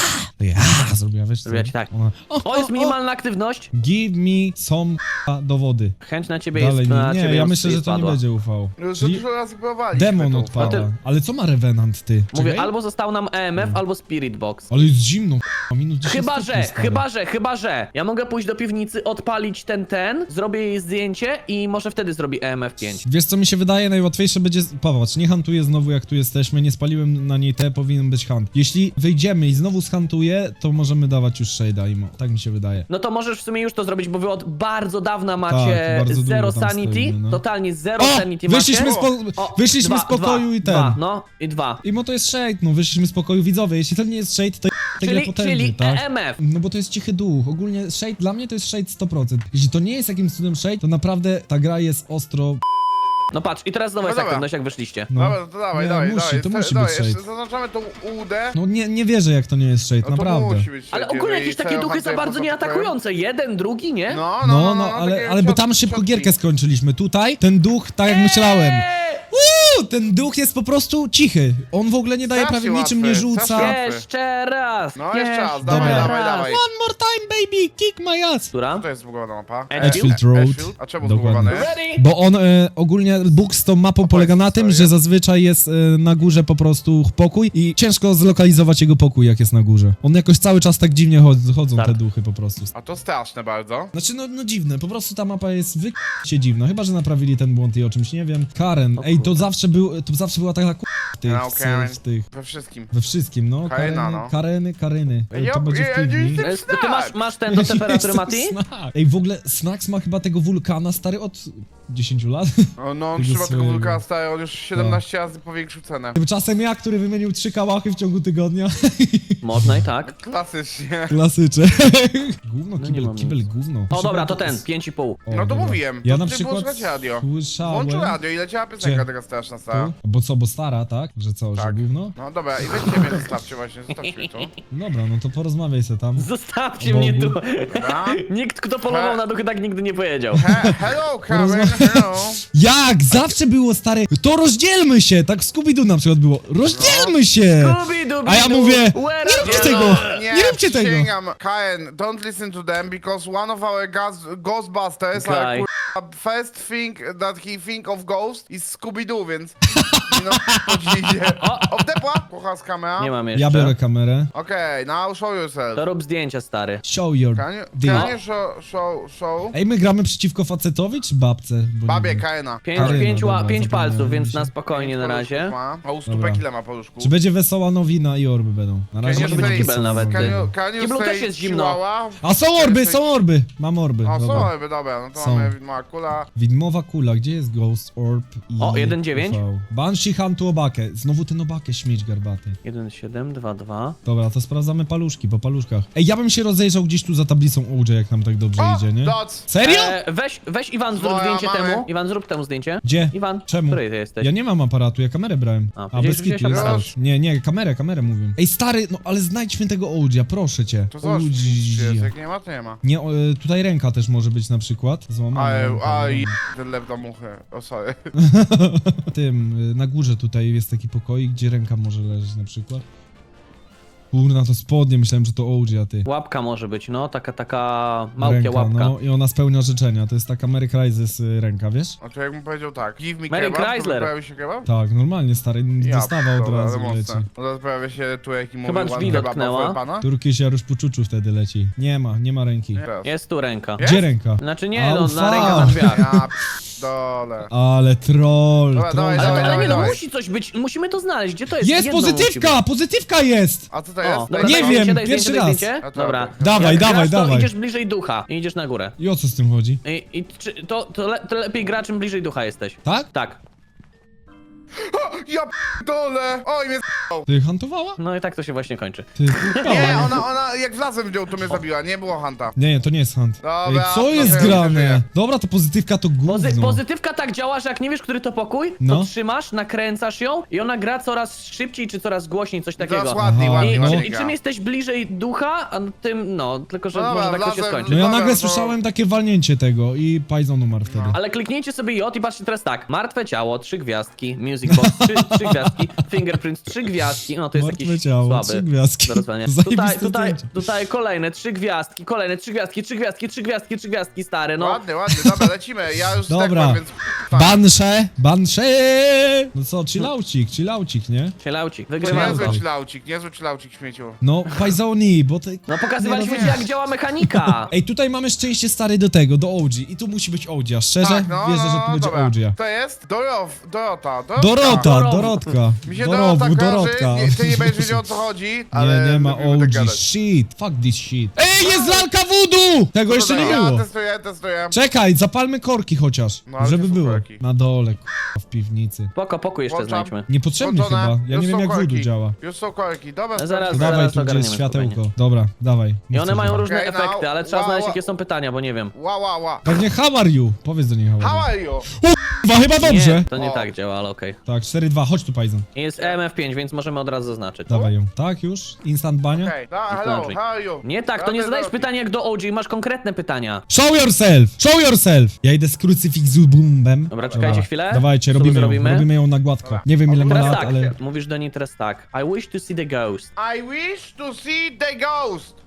[SPEAKER 2] Ja, zrobiła, wiesz co?
[SPEAKER 3] Zrobiła ci tak.
[SPEAKER 2] Ona,
[SPEAKER 3] O, jest minimalna aktywność.
[SPEAKER 2] Give me some k***a dowody.
[SPEAKER 3] Chęć na ciebie
[SPEAKER 2] Dalej
[SPEAKER 3] jest,
[SPEAKER 2] nie,
[SPEAKER 3] na
[SPEAKER 2] nie
[SPEAKER 3] ciebie
[SPEAKER 2] ja
[SPEAKER 3] ją
[SPEAKER 2] myślę, że to nie
[SPEAKER 3] spadła.
[SPEAKER 2] będzie ufał.
[SPEAKER 4] Już za
[SPEAKER 2] Czyli
[SPEAKER 4] dużo razy próbowaliśmy
[SPEAKER 2] demon
[SPEAKER 4] to.
[SPEAKER 2] odpada.
[SPEAKER 3] ty-
[SPEAKER 2] Ale co ma Revenant, ty?
[SPEAKER 3] Mówię,
[SPEAKER 2] Czekaj.
[SPEAKER 3] albo został nam E M F, albo Spirit Box.
[SPEAKER 2] Ale jest zimno, k***a, minus dziesięć
[SPEAKER 3] Chyba,
[SPEAKER 2] stopni,
[SPEAKER 3] że,
[SPEAKER 2] stary.
[SPEAKER 3] chyba, że, chyba, że. Ja mogę pójść do piwnicy, odpalić ten, ten, zrobię jej zdjęcie i może wtedy zrobi E M F pięć.
[SPEAKER 2] Wiesz co mi się wydaje, najłatwiejsze będzie... Popatrz, nie hantuję znowu jak tu jesteśmy, nie spaliłem na niej te, powinien być hunt. Jeśli wyjdziemy i znowu zhantuję, to możemy dawać już shade'a imo. Tak mi się wydaje.
[SPEAKER 3] No to możesz w sumie już to zrobić, bo wy od bardzo dawna macie
[SPEAKER 2] Tak, bardzo
[SPEAKER 3] zero
[SPEAKER 2] długo tam
[SPEAKER 3] sanity,
[SPEAKER 2] stoimy, no.
[SPEAKER 3] totalnie zero
[SPEAKER 2] O!
[SPEAKER 3] sanity
[SPEAKER 2] Wyszliśmy
[SPEAKER 3] macie.
[SPEAKER 2] z, po...
[SPEAKER 3] O,
[SPEAKER 2] wyszliśmy
[SPEAKER 3] dwa,
[SPEAKER 2] z pokoju
[SPEAKER 3] dwa,
[SPEAKER 2] i ten.
[SPEAKER 3] Dwa, no i dwa.
[SPEAKER 2] Imo to jest shade, no wyszliśmy z pokoju, widzowie, jeśli to nie jest shade, to tę grę
[SPEAKER 3] Czyli,
[SPEAKER 2] potężny,
[SPEAKER 3] czyli
[SPEAKER 2] tak?
[SPEAKER 3] E M F.
[SPEAKER 2] No bo to jest cichy duch. Ogólnie shade, dla mnie to jest shade sto procent. Jeśli to nie jest jakimś cudem shade, to naprawdę ta gra jest ostro...
[SPEAKER 3] No patrz, i teraz znowu
[SPEAKER 4] No
[SPEAKER 3] jest
[SPEAKER 4] dobra.
[SPEAKER 3] aktywność, jak wyszliście.
[SPEAKER 2] No.
[SPEAKER 4] Dobra, to dawaj,
[SPEAKER 2] Nie,
[SPEAKER 4] dawaj,
[SPEAKER 2] musi,
[SPEAKER 4] dawaj.
[SPEAKER 2] to
[SPEAKER 4] Sta-
[SPEAKER 2] musi
[SPEAKER 4] dawaj,
[SPEAKER 2] być
[SPEAKER 4] jeszcze
[SPEAKER 2] shade.
[SPEAKER 4] Zaznaczamy tą udę.
[SPEAKER 2] No nie, nie wierzę jak to nie jest shade,
[SPEAKER 4] No to
[SPEAKER 2] naprawdę.
[SPEAKER 4] musi być
[SPEAKER 3] Ale
[SPEAKER 4] shade,
[SPEAKER 3] ogólnie
[SPEAKER 4] jeżeli
[SPEAKER 3] jakieś takie
[SPEAKER 4] cel
[SPEAKER 3] duchy za
[SPEAKER 4] hantuje
[SPEAKER 3] bardzo
[SPEAKER 4] poza
[SPEAKER 3] nie
[SPEAKER 4] pokojem.
[SPEAKER 3] atakujące. Jeden, drugi, nie?
[SPEAKER 4] No,
[SPEAKER 2] No, no, no, ale,
[SPEAKER 4] takie
[SPEAKER 2] ale bo tam
[SPEAKER 4] ciot-
[SPEAKER 2] szybko
[SPEAKER 4] ciotki.
[SPEAKER 2] gierkę skończyliśmy. Tutaj ten duch, tak jak myślałem.
[SPEAKER 3] Eee!
[SPEAKER 2] Uuu, ten duch jest po prostu cichy. On w ogóle nie daje
[SPEAKER 4] Strasznie
[SPEAKER 2] prawie niczym, nie
[SPEAKER 4] łatwy,
[SPEAKER 2] rzuca.
[SPEAKER 4] strasznie łatwy.
[SPEAKER 3] Jeszcze raz!
[SPEAKER 4] No, jeszcze raz,
[SPEAKER 3] jeszcze
[SPEAKER 4] dawaj,
[SPEAKER 2] Dobra.
[SPEAKER 4] dawaj, dawaj.
[SPEAKER 2] One more time, baby, kick my ass.
[SPEAKER 3] Która?
[SPEAKER 4] Co to jest zbugowana mapa?
[SPEAKER 3] Edgefield
[SPEAKER 2] Road.
[SPEAKER 4] Edgefield? A czemu
[SPEAKER 2] Dokładnie.
[SPEAKER 4] zbugowane?
[SPEAKER 3] Ready?
[SPEAKER 2] Bo on e, ogólnie, bóg z tą mapą polega na tym, że zazwyczaj jest e, na górze po prostu pokój i ciężko zlokalizować jego pokój, jak jest na górze. On jakoś cały czas tak dziwnie chod- chodzą
[SPEAKER 3] Tak.
[SPEAKER 2] te duchy po prostu.
[SPEAKER 4] A to straszne bardzo.
[SPEAKER 2] Znaczy, no, no dziwne, po prostu ta mapa jest wy... się dziwna, chyba, że naprawili ten błąd i o czymś nie wiem. Karen, ej, to zawsze był, to zawsze była taka k***a w tych,
[SPEAKER 4] No, Karen.
[SPEAKER 2] w tych,
[SPEAKER 4] We wszystkim.
[SPEAKER 2] we wszystkim, no.
[SPEAKER 4] Karena,
[SPEAKER 2] Kareny,
[SPEAKER 4] no.
[SPEAKER 2] Kareny, Karyny. Ej,
[SPEAKER 4] Ja-
[SPEAKER 2] to będzie
[SPEAKER 4] ja-
[SPEAKER 2] w piwni.
[SPEAKER 4] ja-
[SPEAKER 3] E, Ty masz, masz ten do temperatury, Mati?
[SPEAKER 2] Jestem Snack. Ej, w ogóle Snacks ma chyba tego wulkana, stary, od dziesięciu lat.
[SPEAKER 4] O, no on
[SPEAKER 2] Tego
[SPEAKER 4] trzyma tego
[SPEAKER 2] swojego.
[SPEAKER 4] wulkana stary, on już siedemnaście razy powiększył cenę.
[SPEAKER 2] Tymczasem ja, który wymienił trzy kałachy w ciągu tygodnia.
[SPEAKER 3] Można i tak.
[SPEAKER 4] Klasycznie.
[SPEAKER 2] Klasyczne. Gówno,
[SPEAKER 3] No nie
[SPEAKER 2] kibel,
[SPEAKER 3] mam
[SPEAKER 2] kibel,
[SPEAKER 3] nic.
[SPEAKER 2] gówno.
[SPEAKER 3] O dobra, to ten, pięć i pół.
[SPEAKER 2] O,
[SPEAKER 4] No to
[SPEAKER 2] dobra.
[SPEAKER 4] mówiłem,
[SPEAKER 2] Ja
[SPEAKER 4] to
[SPEAKER 2] na
[SPEAKER 4] ty było
[SPEAKER 2] przykład
[SPEAKER 4] słuchać radio.
[SPEAKER 2] słyszałem...
[SPEAKER 4] Włączył radio i leciała piosenka
[SPEAKER 2] Gdzie?
[SPEAKER 4] taka straszna stara.
[SPEAKER 2] Tu? Bo co, bo stara, tak? Że co, że
[SPEAKER 4] Tak.
[SPEAKER 2] gówno?
[SPEAKER 4] No dobra, i weźcie mnie, zostawcie właśnie, zostawcie mnie tu.
[SPEAKER 2] Dobra, no to porozmawiaj se tam.
[SPEAKER 3] Zostawcie
[SPEAKER 2] O
[SPEAKER 3] mnie
[SPEAKER 2] Bogu.
[SPEAKER 3] tu.
[SPEAKER 4] Dobra.
[SPEAKER 3] Nikt, kto polował na duchy, tak nigdy nie powiedział.
[SPEAKER 4] He, hello, Karen, hello.
[SPEAKER 2] Jak? Zawsze było, stary, to rozdzielmy się! Tak w Scooby-Doo na przykład było. Rozdzielmy się!
[SPEAKER 3] Scooby-Doo,
[SPEAKER 2] A ja mówię,
[SPEAKER 3] where
[SPEAKER 2] nie
[SPEAKER 3] are
[SPEAKER 2] róbcie
[SPEAKER 3] you?
[SPEAKER 2] tego!
[SPEAKER 4] No, Nie,
[SPEAKER 2] Nie róbcie tego!
[SPEAKER 4] przysięgam. Karen, don't listen to them because one of our gas Ghostbusters
[SPEAKER 3] Guy.
[SPEAKER 4] are kurwa, first thing that he think of ghost is Scooby-Doo, więc no, podziwię. O, wdepła, kocha z kamera.
[SPEAKER 3] Nie mam jeszcze.
[SPEAKER 2] Ja biorę kamerę.
[SPEAKER 4] Okej, now show yourself.
[SPEAKER 3] To rób zdjęcia, stary.
[SPEAKER 2] Show your
[SPEAKER 4] Can you,
[SPEAKER 2] dick.
[SPEAKER 4] can you show, show, show?
[SPEAKER 2] Ej, my gramy przeciwko facetowi czy babce? Bo nie
[SPEAKER 4] Babie,
[SPEAKER 2] wiem.
[SPEAKER 4] Karena.
[SPEAKER 3] Pięć,
[SPEAKER 2] Karyna,
[SPEAKER 3] pięć, ła-
[SPEAKER 2] dobra,
[SPEAKER 3] pięć
[SPEAKER 2] zapomniałem
[SPEAKER 3] palców, więc
[SPEAKER 2] się.
[SPEAKER 3] na spokojnie na razie.
[SPEAKER 4] Ma. A u
[SPEAKER 2] Dobra.
[SPEAKER 4] stópek ile ma paluszku?
[SPEAKER 2] Czy będzie wesoła nowina i orby będą? Na razie
[SPEAKER 4] Can you
[SPEAKER 3] może być
[SPEAKER 4] say-
[SPEAKER 3] kibel nawet,
[SPEAKER 4] Can
[SPEAKER 3] ty.
[SPEAKER 4] you, can you
[SPEAKER 3] Kiblu
[SPEAKER 4] say
[SPEAKER 3] też jest zimno.
[SPEAKER 4] chihuahua?
[SPEAKER 2] A są orby, są orby! Mam orby,
[SPEAKER 4] A są
[SPEAKER 2] dobra.
[SPEAKER 4] orby, dobra, no to
[SPEAKER 2] Są.
[SPEAKER 4] mamy widma kula.
[SPEAKER 2] Widmowa kula, gdzie jest Ghost Orb i...
[SPEAKER 3] O, jeden dziewięć?
[SPEAKER 2] U V? Banshee Huntu Obakę. Znowu ten Obakę, śmieć garbaty.
[SPEAKER 3] jeden, siedem, dwa, dwa.
[SPEAKER 2] Dobra, to sprawdzamy paluszki, po paluszkach. Ej, ja bym się rozejrzał gdzieś tu za tablicą O J, jak nam tak dobrze
[SPEAKER 4] O,
[SPEAKER 2] idzie, nie?
[SPEAKER 4] doc!
[SPEAKER 2] Serio?
[SPEAKER 3] E, weź, weź Iwan, zrób
[SPEAKER 4] Moja
[SPEAKER 3] zdjęcie
[SPEAKER 4] mamy.
[SPEAKER 3] temu. Iwan, zrób temu zdjęcie.
[SPEAKER 2] Gdzie?
[SPEAKER 3] Iwan,
[SPEAKER 2] Czemu?
[SPEAKER 3] który ty jesteś?
[SPEAKER 2] Ja nie mam aparatu, ja kamerę brałem.
[SPEAKER 3] A,
[SPEAKER 2] A,
[SPEAKER 3] powiedziałeś,
[SPEAKER 2] bez
[SPEAKER 3] że
[SPEAKER 2] kitu
[SPEAKER 3] wziąłeś
[SPEAKER 2] jest
[SPEAKER 4] aparat.
[SPEAKER 2] też. Nie, nie, kamerę, kamerę mówię. Ej, stary, no ale znajdźmy tego O J, proszę cię.
[SPEAKER 4] To zobacz,
[SPEAKER 2] O J.
[SPEAKER 4] czy jest, jak nie ma, to nie ma.
[SPEAKER 2] Nie, o, e, tutaj ręka też może być na przykład. Złamana
[SPEAKER 4] Ale,
[SPEAKER 2] ręka,
[SPEAKER 4] a
[SPEAKER 2] no.
[SPEAKER 4] i ten lew na muchy. O, sorry.
[SPEAKER 2] Tym, y, na górze tutaj jest taki pokoik, gdzie ręka może leżeć na przykład. Kurna, to spodnie, myślałem, że to O J, a ty.
[SPEAKER 3] Łapka może być, no, taka, taka małpia
[SPEAKER 2] Ręka,
[SPEAKER 3] łapka.
[SPEAKER 2] no i ona spełnia życzenia, to jest taka Mary Crisis y, ręka, wiesz?
[SPEAKER 4] A to jakbym powiedział tak, give me
[SPEAKER 3] Mary
[SPEAKER 4] kebab,
[SPEAKER 3] Chrysler.
[SPEAKER 4] to pojawi się kebab?
[SPEAKER 2] Tak, normalnie, stary,
[SPEAKER 4] Ja,
[SPEAKER 2] dostawa od
[SPEAKER 4] dobra,
[SPEAKER 2] razu
[SPEAKER 4] ale
[SPEAKER 2] leci.
[SPEAKER 4] mocne. No to pojawia się tu jaki mówi
[SPEAKER 3] Chyba
[SPEAKER 4] one
[SPEAKER 3] drzwi
[SPEAKER 4] kebab
[SPEAKER 3] dotknęła.
[SPEAKER 4] for pana?
[SPEAKER 2] Turkish Jarusz Puczuczu wtedy leci. Nie ma, nie ma ręki.
[SPEAKER 4] Teraz.
[SPEAKER 3] Jest tu ręka.
[SPEAKER 4] Jest?
[SPEAKER 2] Gdzie ręka?
[SPEAKER 3] Znaczy nie,
[SPEAKER 2] Au,
[SPEAKER 3] no,
[SPEAKER 2] fuck.
[SPEAKER 3] na ręka na drzwiach.
[SPEAKER 4] Ja dole.
[SPEAKER 2] Ale troll,
[SPEAKER 4] Dobra,
[SPEAKER 2] troll.
[SPEAKER 4] dawaj,
[SPEAKER 3] Ale,
[SPEAKER 4] dawaj,
[SPEAKER 3] ale nie no,
[SPEAKER 4] dawaj.
[SPEAKER 3] musi coś być, musimy to znaleźć, gdzie to jest?
[SPEAKER 2] Jest
[SPEAKER 3] Jedno musi
[SPEAKER 2] pozytywka,
[SPEAKER 3] być.
[SPEAKER 2] pozytywka jest!
[SPEAKER 4] A co to
[SPEAKER 3] O,
[SPEAKER 4] jest?
[SPEAKER 3] dobra,
[SPEAKER 2] Nie
[SPEAKER 3] daj
[SPEAKER 2] wiem,
[SPEAKER 3] zdjęcie, daj
[SPEAKER 2] pierwszy
[SPEAKER 3] zdjęcie, daj
[SPEAKER 2] raz.
[SPEAKER 3] zdjęcie.
[SPEAKER 4] A to
[SPEAKER 3] Dobra.
[SPEAKER 4] dobra.
[SPEAKER 2] Dawaj,
[SPEAKER 3] Jak
[SPEAKER 2] dawaj,
[SPEAKER 3] grasz, to
[SPEAKER 2] dawaj.
[SPEAKER 3] idziesz bliżej ducha i idziesz na górę.
[SPEAKER 2] I o co z tym chodzi?
[SPEAKER 3] I, i czy, to, to, le, to lepiej gra, czym bliżej ducha jesteś.
[SPEAKER 2] Tak?
[SPEAKER 3] Tak.
[SPEAKER 4] Ja dole! Oj, mnie
[SPEAKER 2] Ty hantowała?
[SPEAKER 3] No i tak to się właśnie kończy.
[SPEAKER 2] Ty
[SPEAKER 4] Nie, ona, ona jak wlazłem w nią, to mnie zabiła, nie było hanta.
[SPEAKER 2] Nie, nie, to nie jest hunt.
[SPEAKER 4] Dobra,
[SPEAKER 2] Ej, co
[SPEAKER 4] to
[SPEAKER 2] jest
[SPEAKER 4] ja już
[SPEAKER 2] grane?
[SPEAKER 4] żyję.
[SPEAKER 2] Dobra, to pozytywka to
[SPEAKER 3] Pozy
[SPEAKER 2] gówno.
[SPEAKER 3] pozytywka tak działa, że jak nie wiesz, który to pokój,
[SPEAKER 2] No.
[SPEAKER 3] to trzymasz, nakręcasz ją i ona gra coraz szybciej czy coraz głośniej, coś takiego.
[SPEAKER 4] Coraz ładniej,
[SPEAKER 2] Aha,
[SPEAKER 4] ładniej,
[SPEAKER 3] I,
[SPEAKER 2] no.
[SPEAKER 4] ładniej
[SPEAKER 3] I
[SPEAKER 4] gra.
[SPEAKER 3] czym jesteś bliżej ducha, a tym, no, tylko że
[SPEAKER 4] No dobra,
[SPEAKER 3] może tak to się
[SPEAKER 4] wlazłem-
[SPEAKER 3] skończy.
[SPEAKER 2] No ja
[SPEAKER 4] Dobra,
[SPEAKER 2] nagle
[SPEAKER 4] to-
[SPEAKER 2] słyszałem takie walnięcie tego i Python umarł wtedy.
[SPEAKER 3] Ale kliknijcie sobie J i patrzcie teraz tak. Martwe ciało, trzy gwiazdki, music Music Box, trzy, trzy gwiazdki, Fingerprints, trzy gwiazdki, no to jest
[SPEAKER 2] Martwe
[SPEAKER 3] jakiś
[SPEAKER 2] ciało,
[SPEAKER 3] słaby.
[SPEAKER 2] trzy gwiazdki.
[SPEAKER 3] Do rozwalenia.
[SPEAKER 2] Zajebiste
[SPEAKER 3] Tutaj, tutaj,
[SPEAKER 2] zdjęcie.
[SPEAKER 3] tutaj kolejne trzy gwiazdki, kolejne trzy gwiazdki, trzy gwiazdki, trzy gwiazdki, trzy gwiazdki, stary, no.
[SPEAKER 4] Ładnie, ładnie, dobra, lecimy. Ja już
[SPEAKER 2] Dobra.
[SPEAKER 4] zdechłem, więc... tak.
[SPEAKER 2] Bansze, bansze! No co, chillaucik, chillaucik, nie?
[SPEAKER 3] Cielaucik,
[SPEAKER 4] To
[SPEAKER 3] wygrywamy
[SPEAKER 2] Chillaucik.
[SPEAKER 3] to.
[SPEAKER 4] niezły chillaucik, niezły chillaucik, śmieciu.
[SPEAKER 2] No, Pajzoni, bo ty...
[SPEAKER 3] No pokazywaliśmy
[SPEAKER 2] Nie
[SPEAKER 3] ci,
[SPEAKER 2] no
[SPEAKER 3] jak
[SPEAKER 2] wiesz.
[SPEAKER 3] działa mechanika.
[SPEAKER 2] Ej, tutaj mamy szczęście stary do tego, do O G. I tu musi być O G, a szczerze
[SPEAKER 4] Tak, no,
[SPEAKER 2] wierzę, że
[SPEAKER 4] no,
[SPEAKER 2] tu będzie
[SPEAKER 4] dobra.
[SPEAKER 2] O G.
[SPEAKER 4] To jest Dorow, Dorota, Dorotka.
[SPEAKER 2] Dorota,
[SPEAKER 3] Dorow.
[SPEAKER 2] Dorotka.
[SPEAKER 4] Mi się
[SPEAKER 2] Dorowu,
[SPEAKER 4] Dorota kojarzy,
[SPEAKER 2] Dorotka.
[SPEAKER 4] nie, ty nie będziesz wiedział o co chodzi, ale...
[SPEAKER 2] Nie, nie ma
[SPEAKER 4] lubimy tak
[SPEAKER 2] O G,
[SPEAKER 4] gadać.
[SPEAKER 2] shit, fuck this shit. Ej, jest lalka voodoo! Tego jeszcze nie
[SPEAKER 4] Tutaj,
[SPEAKER 2] było.
[SPEAKER 4] Ja testuję, testuję.
[SPEAKER 2] Czekaj, zapalmy korki chociaż,
[SPEAKER 4] No, ale
[SPEAKER 2] żeby
[SPEAKER 4] gdzie są
[SPEAKER 2] było.
[SPEAKER 4] korki?
[SPEAKER 2] Na dole, k***a, w piwnicy.
[SPEAKER 3] Spoko, pokój jeszcze
[SPEAKER 4] Włączam.
[SPEAKER 3] znajdźmy.
[SPEAKER 2] Niepotrzebny
[SPEAKER 4] Włączone.
[SPEAKER 2] chyba, ja
[SPEAKER 4] Już
[SPEAKER 2] nie wiem
[SPEAKER 4] są
[SPEAKER 2] jak
[SPEAKER 4] korki.
[SPEAKER 2] voodoo działa.
[SPEAKER 4] Już są korki, dobra,
[SPEAKER 3] Zaraz,
[SPEAKER 4] sprawdźmy.
[SPEAKER 3] zaraz.
[SPEAKER 2] Dawaj, tu gdzie jest
[SPEAKER 3] ogarniemy
[SPEAKER 2] światełko.
[SPEAKER 3] spokojnie.
[SPEAKER 2] Dobra, dawaj.
[SPEAKER 3] I
[SPEAKER 2] Nie
[SPEAKER 3] one
[SPEAKER 2] chcę
[SPEAKER 3] mają
[SPEAKER 2] żartu.
[SPEAKER 3] różne
[SPEAKER 4] Okej, no,
[SPEAKER 3] efekty, ale trzeba
[SPEAKER 4] wow,
[SPEAKER 3] znaleźć
[SPEAKER 4] wow.
[SPEAKER 3] jakie są pytania, bo nie wiem.
[SPEAKER 4] Ła, ła, ła.
[SPEAKER 2] Pewnie how are you? Powiedz do niej how
[SPEAKER 4] How
[SPEAKER 2] are you.
[SPEAKER 4] are you?
[SPEAKER 2] Chyba, chyba dobrze.
[SPEAKER 3] Nie, to nie
[SPEAKER 4] O.
[SPEAKER 3] tak działa, ale okej.
[SPEAKER 2] Tak, cztery dwa, chodź tu Pajzon.
[SPEAKER 3] Jest E M F pięć, więc możemy od razu zaznaczyć.
[SPEAKER 2] Dawaj ją. Tak już? Instant bania?
[SPEAKER 4] Okej, okay. hello,
[SPEAKER 3] Znaczy.
[SPEAKER 4] how are you?
[SPEAKER 3] Nie tak, to nie
[SPEAKER 4] Dobry,
[SPEAKER 3] zadajesz
[SPEAKER 4] dobry.
[SPEAKER 3] pytania jak do O G, masz konkretne pytania.
[SPEAKER 2] Show yourself! Show yourself! Ja idę z krucyfiksubumbem.
[SPEAKER 3] Dobra, czekajcie chwilę.
[SPEAKER 2] Dawajcie,
[SPEAKER 3] Co
[SPEAKER 2] robimy ją,
[SPEAKER 3] zrobimy?
[SPEAKER 2] robimy ją na gładko.
[SPEAKER 4] Dobra.
[SPEAKER 2] Nie wiem ile ma
[SPEAKER 3] Teraz
[SPEAKER 2] lat,
[SPEAKER 3] tak,
[SPEAKER 2] ale...
[SPEAKER 3] mówisz do niej teraz tak. I wish to see the ghost.
[SPEAKER 4] I wish to see the ghost.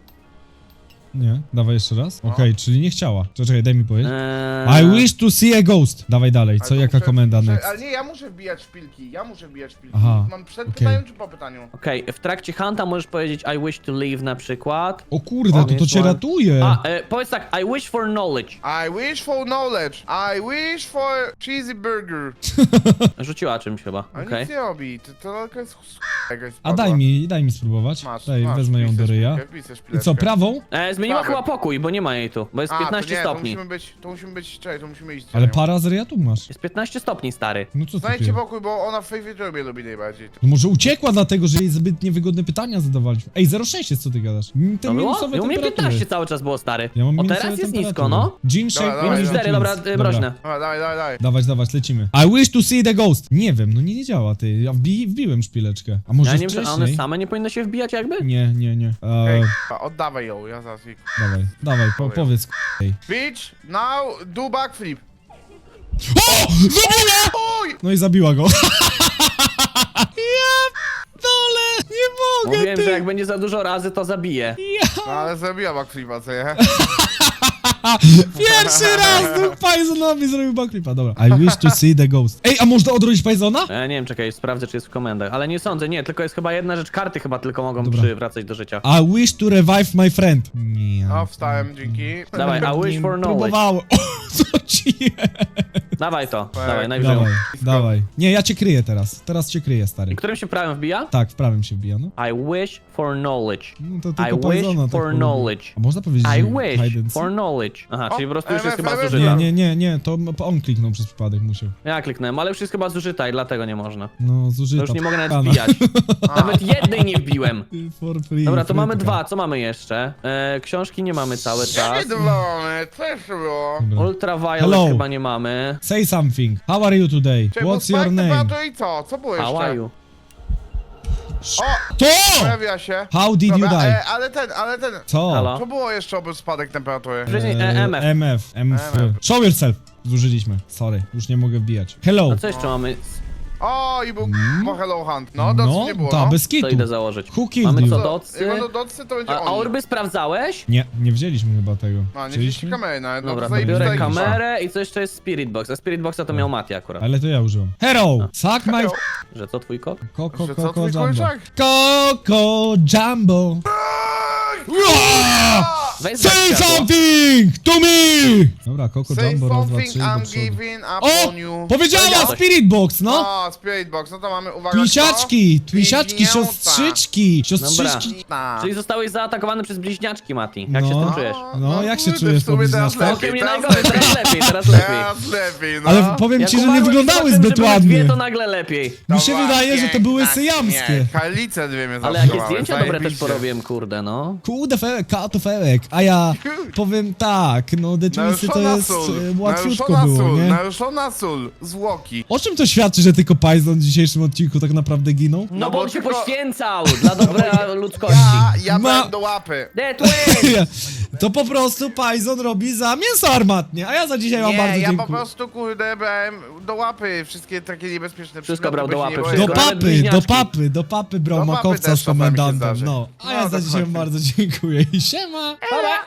[SPEAKER 2] Nie, dawaj jeszcze raz. Okej, czyli nie chciała. Czekaj, daj mi powiedzieć.
[SPEAKER 3] Eee,
[SPEAKER 2] I wish to see a ghost. Dawaj dalej, co,
[SPEAKER 4] Ale to
[SPEAKER 2] jaka
[SPEAKER 4] muszę-
[SPEAKER 2] komenda
[SPEAKER 4] muszę-
[SPEAKER 2] next?
[SPEAKER 4] Ale nie, ja muszę wbijać szpilki, ja muszę wbijać szpilki.
[SPEAKER 2] Aha,
[SPEAKER 4] Mam przed
[SPEAKER 2] okej.
[SPEAKER 4] pytaniem czy po pytaniu?
[SPEAKER 3] Okej, w trakcie hunta możesz powiedzieć I wish to leave na przykład.
[SPEAKER 2] O kurde, to to
[SPEAKER 3] jest
[SPEAKER 2] cię
[SPEAKER 3] one.
[SPEAKER 2] ratuje.
[SPEAKER 3] A, e, powiedz tak, I wish for knowledge.
[SPEAKER 4] I wish for knowledge. I wish for cheesy burger.
[SPEAKER 3] Rzuciła czymś chyba,
[SPEAKER 4] Ale
[SPEAKER 3] okej.
[SPEAKER 4] nic nie robi, to, to tylko jest jakaś
[SPEAKER 2] A daj mi, daj mi spróbować.
[SPEAKER 4] Masz,
[SPEAKER 2] Daj,
[SPEAKER 4] masz,
[SPEAKER 2] wezmę ją
[SPEAKER 4] wpisać
[SPEAKER 2] do ryja.
[SPEAKER 4] szpilkę, wpisać
[SPEAKER 2] I
[SPEAKER 4] szpileczkę.
[SPEAKER 2] co, prawą?
[SPEAKER 3] E, zmieniła
[SPEAKER 4] Tak.
[SPEAKER 3] chyba pokój, bo nie ma jej tu, bo jest
[SPEAKER 4] A,
[SPEAKER 3] piętnaście
[SPEAKER 4] to nie,
[SPEAKER 3] stopni.
[SPEAKER 4] To musimy być, to musimy być, czekaj, to musimy iść. za
[SPEAKER 2] Ale
[SPEAKER 4] nią.
[SPEAKER 2] para z ryja tu masz.
[SPEAKER 3] Jest piętnaście stopni, stary.
[SPEAKER 2] No co ty
[SPEAKER 4] Znajdźcie
[SPEAKER 2] pier-
[SPEAKER 4] pokój, bo ona w Favorite Roomie lubi najbardziej.
[SPEAKER 2] No może uciekła dlatego, że jej zbyt niewygodne pytania zadawaliśmy. Ej, zero przecinek sześć jest, co ty gadasz? Mm, Te
[SPEAKER 3] To było?
[SPEAKER 2] minusowe
[SPEAKER 3] I u mnie
[SPEAKER 2] temperatury.
[SPEAKER 3] piętnaście cały czas było, stary.
[SPEAKER 2] Ja mam
[SPEAKER 3] O,
[SPEAKER 2] minusowe
[SPEAKER 3] teraz jest nisko,
[SPEAKER 2] temperatury.
[SPEAKER 3] no.
[SPEAKER 2] Jean
[SPEAKER 4] Dobra,
[SPEAKER 2] shake,
[SPEAKER 4] dawaj,
[SPEAKER 3] Minus
[SPEAKER 4] dawaj.
[SPEAKER 3] cztery, dobra, e, mroźne.
[SPEAKER 4] Dobra, dawaj, dawaj, dawaj.
[SPEAKER 2] Dawać, dawać, lecimy. I wish to see the ghost. Nie wiem, no nie, nie działa, ty. Ja wbi wbiłem szpileczkę. A może
[SPEAKER 3] Ja nie wiem,
[SPEAKER 2] wcześniej?
[SPEAKER 3] czy one same nie powinny się wbijać jakby?
[SPEAKER 2] Nie, nie, nie.
[SPEAKER 4] Ej,
[SPEAKER 2] Eee,
[SPEAKER 4] k***a, oddawaj ją, ja zaraz jej...
[SPEAKER 2] dawaj, dawaj, po,
[SPEAKER 4] Dawaj.
[SPEAKER 2] powiedz, k***, ej.
[SPEAKER 4] Bitch, now do backflip.
[SPEAKER 2] O! Zabiła!
[SPEAKER 4] Oj!
[SPEAKER 2] No i zabiła go. Ja dole, nie mogę,
[SPEAKER 3] Mówiłem,
[SPEAKER 2] ty.
[SPEAKER 3] że jak będzie za dużo razy, to zabije.
[SPEAKER 4] No ale zrobiła backflipa, co nie?
[SPEAKER 2] Pierwszy raz tu Pajzonowi zrobił backflipa, dobra. I wish to see the ghost. Ej, a można odrodzić Pajzona?
[SPEAKER 3] E, nie wiem, czekaj, sprawdzę, czy jest w komendach. Ale nie sądzę, nie, tylko jest chyba jedna rzecz, karty chyba tylko mogą
[SPEAKER 2] Dobra.
[SPEAKER 3] przywracać do życia.
[SPEAKER 2] I wish to revive my friend. Nie.
[SPEAKER 4] No, wstałem, dzięki.
[SPEAKER 3] Dawaj, I wish for knowledge.
[SPEAKER 2] Próbowałem. O, co ci jest?
[SPEAKER 3] Dawaj to,
[SPEAKER 4] Dawaj,
[SPEAKER 3] dawaj, najwyżej.
[SPEAKER 2] Dawaj, dawaj. Nie, ja cię kryję teraz. Teraz cię kryję, stary.
[SPEAKER 3] I którym się prawem wbija?
[SPEAKER 2] Tak, w prawym się wbija, no.
[SPEAKER 3] I wish for knowledge.
[SPEAKER 2] No to
[SPEAKER 3] I
[SPEAKER 2] tylko
[SPEAKER 3] wish
[SPEAKER 2] Pajzona tak
[SPEAKER 3] for
[SPEAKER 2] polubił.
[SPEAKER 3] knowledge.
[SPEAKER 2] A można powiedzieć,
[SPEAKER 3] I
[SPEAKER 2] że
[SPEAKER 3] wish
[SPEAKER 2] hide and
[SPEAKER 3] for
[SPEAKER 2] seek?
[SPEAKER 3] knowledge. Aha, czyli po prostu już
[SPEAKER 4] M
[SPEAKER 3] jest
[SPEAKER 4] F,
[SPEAKER 3] chyba
[SPEAKER 4] M F.
[SPEAKER 3] zużyta.
[SPEAKER 2] Nie, nie, nie, nie, to on kliknął przez przypadek, musiał.
[SPEAKER 3] Ja kliknąłem, ale już jest chyba zużyta i dlatego nie można.
[SPEAKER 2] No,
[SPEAKER 3] To
[SPEAKER 2] zużyta.
[SPEAKER 3] już nie mogę nawet
[SPEAKER 2] p***ana.
[SPEAKER 3] wbijać. Nawet jednej nie wbiłem.
[SPEAKER 2] For free,
[SPEAKER 3] Dobra, to
[SPEAKER 2] free
[SPEAKER 3] mamy
[SPEAKER 2] tylko.
[SPEAKER 3] dwa, co mamy jeszcze? E, książki nie mamy cały czas.
[SPEAKER 4] Jakie to mamy? Co jeszcze było?
[SPEAKER 2] Dobra.
[SPEAKER 3] Ultraviolet
[SPEAKER 2] Hello.
[SPEAKER 3] chyba nie mamy.
[SPEAKER 2] Say something. How are you today?
[SPEAKER 4] Czekaj, bo
[SPEAKER 2] What's your
[SPEAKER 4] spike
[SPEAKER 2] name?
[SPEAKER 4] temperature i co? Co było
[SPEAKER 3] How are
[SPEAKER 4] jeszcze?
[SPEAKER 3] you?
[SPEAKER 4] O!
[SPEAKER 2] To!
[SPEAKER 4] Pojawia się.
[SPEAKER 2] How did you
[SPEAKER 4] Dobra,
[SPEAKER 2] die?
[SPEAKER 4] e, ale ten, ale ten.
[SPEAKER 2] Co?
[SPEAKER 3] Halo?
[SPEAKER 4] Co było jeszcze oprócz spadek temperatury?
[SPEAKER 3] Wcześniej e,
[SPEAKER 2] Eee,
[SPEAKER 3] M F.
[SPEAKER 2] M F. M F.
[SPEAKER 4] M F.
[SPEAKER 2] Show yourself. Zużyliśmy. Sorry, już nie mogę wbijać. Hello.
[SPEAKER 3] A co jeszcze mamy?
[SPEAKER 4] O, i był mm. Hello Hunt. No, docy
[SPEAKER 2] No,
[SPEAKER 4] nie było,
[SPEAKER 2] ta,
[SPEAKER 4] no.
[SPEAKER 2] bez
[SPEAKER 3] To
[SPEAKER 2] kitu.
[SPEAKER 3] idę założyć.
[SPEAKER 2] Who killed
[SPEAKER 3] Mamy
[SPEAKER 2] you?
[SPEAKER 3] co,
[SPEAKER 4] To-
[SPEAKER 3] docy?
[SPEAKER 4] Jak będą docy, to będzie
[SPEAKER 3] A, a
[SPEAKER 4] oni.
[SPEAKER 3] orby sprawdzałeś?
[SPEAKER 2] Nie, nie wzięliśmy chyba tego.
[SPEAKER 4] No, nie
[SPEAKER 2] Wzięliśmy?
[SPEAKER 4] wzięliście kamery nawet. No,
[SPEAKER 3] Dobra,
[SPEAKER 4] to
[SPEAKER 3] to biorę
[SPEAKER 4] zajebista ekipa.
[SPEAKER 3] kamerę i co jeszcze jest Spirit Box? A Spirit Boxa to miał Mati akurat.
[SPEAKER 2] Ale to ja użyłem. Hero! Suck my...
[SPEAKER 4] Hello.
[SPEAKER 3] Że co, twój kot?
[SPEAKER 2] Koko,
[SPEAKER 4] Że co,
[SPEAKER 2] koko,
[SPEAKER 4] twój
[SPEAKER 2] jumbo.
[SPEAKER 4] kurczak?
[SPEAKER 2] Koko, jumbo.
[SPEAKER 3] Weź
[SPEAKER 2] Say
[SPEAKER 3] zgaś światło.
[SPEAKER 2] something to me! Dobra, Koko,
[SPEAKER 4] Say
[SPEAKER 2] jumbo, raz, dwa,
[SPEAKER 4] something,
[SPEAKER 2] trzy, do
[SPEAKER 4] I'm
[SPEAKER 2] przodu.
[SPEAKER 4] giving up
[SPEAKER 2] O!
[SPEAKER 4] on you.
[SPEAKER 2] Powiedziała
[SPEAKER 3] Powiedziałeś.
[SPEAKER 2] Spirit Box, no!
[SPEAKER 4] O, Spirit Box, no to mamy, uwaga,
[SPEAKER 2] Twisiaczki,
[SPEAKER 4] kto?
[SPEAKER 2] twisiaczki,
[SPEAKER 4] Bliźnięta.
[SPEAKER 2] siostrzyczki, siostrzyczki.
[SPEAKER 4] Bliźnięta.
[SPEAKER 3] Czyli zostałeś zaatakowany przez bliźniaczki, Mati. Jak się z
[SPEAKER 2] No.
[SPEAKER 3] tym czujesz?
[SPEAKER 2] No, jak się
[SPEAKER 4] kurde,
[SPEAKER 2] czujesz
[SPEAKER 4] w sumie
[SPEAKER 2] po
[SPEAKER 4] teraz
[SPEAKER 2] bliźniaczkach?
[SPEAKER 3] Całkiem nie
[SPEAKER 4] teraz
[SPEAKER 3] najgorzej,
[SPEAKER 4] lepiej.
[SPEAKER 3] teraz lepiej, teraz lepiej.
[SPEAKER 4] Teraz lepiej, no.
[SPEAKER 2] Ale powiem
[SPEAKER 3] Jak
[SPEAKER 2] ci, że nie
[SPEAKER 3] umarłeś
[SPEAKER 2] wyglądały
[SPEAKER 3] potem, że
[SPEAKER 2] zbyt
[SPEAKER 3] były
[SPEAKER 2] ładnie.
[SPEAKER 3] dwie, to nagle lepiej.
[SPEAKER 2] Mi się
[SPEAKER 4] była
[SPEAKER 2] wydaje, że to były
[SPEAKER 4] piękna
[SPEAKER 2] syjamskie.
[SPEAKER 4] śmierć. Karlice dwie mnie
[SPEAKER 3] Ale jakie
[SPEAKER 4] zaatakowały,
[SPEAKER 3] zdjęcia dobre też
[SPEAKER 4] zajebiście.
[SPEAKER 3] porobiłem, kurde, no.
[SPEAKER 2] Kurde, fełek, kato fełek, a ja powiem tak, no The Twisty to
[SPEAKER 4] Naruszona
[SPEAKER 2] jest
[SPEAKER 4] sól,
[SPEAKER 2] e, łatwiutko
[SPEAKER 4] naruszona
[SPEAKER 2] było,
[SPEAKER 4] sól,
[SPEAKER 2] nie?
[SPEAKER 4] naruszona sól, zwłoki.
[SPEAKER 2] O czym to świadczy, że tylko Python w dzisiejszym odcinku tak naprawdę ginął?
[SPEAKER 3] No,
[SPEAKER 4] No
[SPEAKER 3] bo
[SPEAKER 4] bo
[SPEAKER 3] on się
[SPEAKER 4] tylko-
[SPEAKER 3] poświęcał dla dobra ludzkości.
[SPEAKER 4] Ja, ja
[SPEAKER 2] Ma-
[SPEAKER 4] byłem do łapy.
[SPEAKER 3] The Twins!
[SPEAKER 2] Ja, To po prostu Pajzon robi za mięso armatnie, a ja za dzisiaj wam
[SPEAKER 4] Nie,
[SPEAKER 2] bardzo
[SPEAKER 4] ja
[SPEAKER 2] dziękuję.
[SPEAKER 4] po prostu, kurde, brałem do łapy wszystkie takie niebezpieczne
[SPEAKER 3] Wszystko
[SPEAKER 4] przedmioty,
[SPEAKER 3] brał
[SPEAKER 4] bo
[SPEAKER 3] do
[SPEAKER 4] się nie
[SPEAKER 3] łapy,
[SPEAKER 4] boję.
[SPEAKER 2] Do
[SPEAKER 3] Nawet
[SPEAKER 2] papy, do
[SPEAKER 3] bliźniaczki.
[SPEAKER 2] papy, do papy brał
[SPEAKER 4] Do papy
[SPEAKER 2] makowca
[SPEAKER 4] też
[SPEAKER 2] z
[SPEAKER 4] czasami się
[SPEAKER 2] komendantem,
[SPEAKER 4] zdarzy.
[SPEAKER 2] no. A
[SPEAKER 4] No,
[SPEAKER 2] ja za dzisiaj
[SPEAKER 4] dokładnie.
[SPEAKER 2] wam bardzo dziękuję i siema!
[SPEAKER 3] Pa, pa.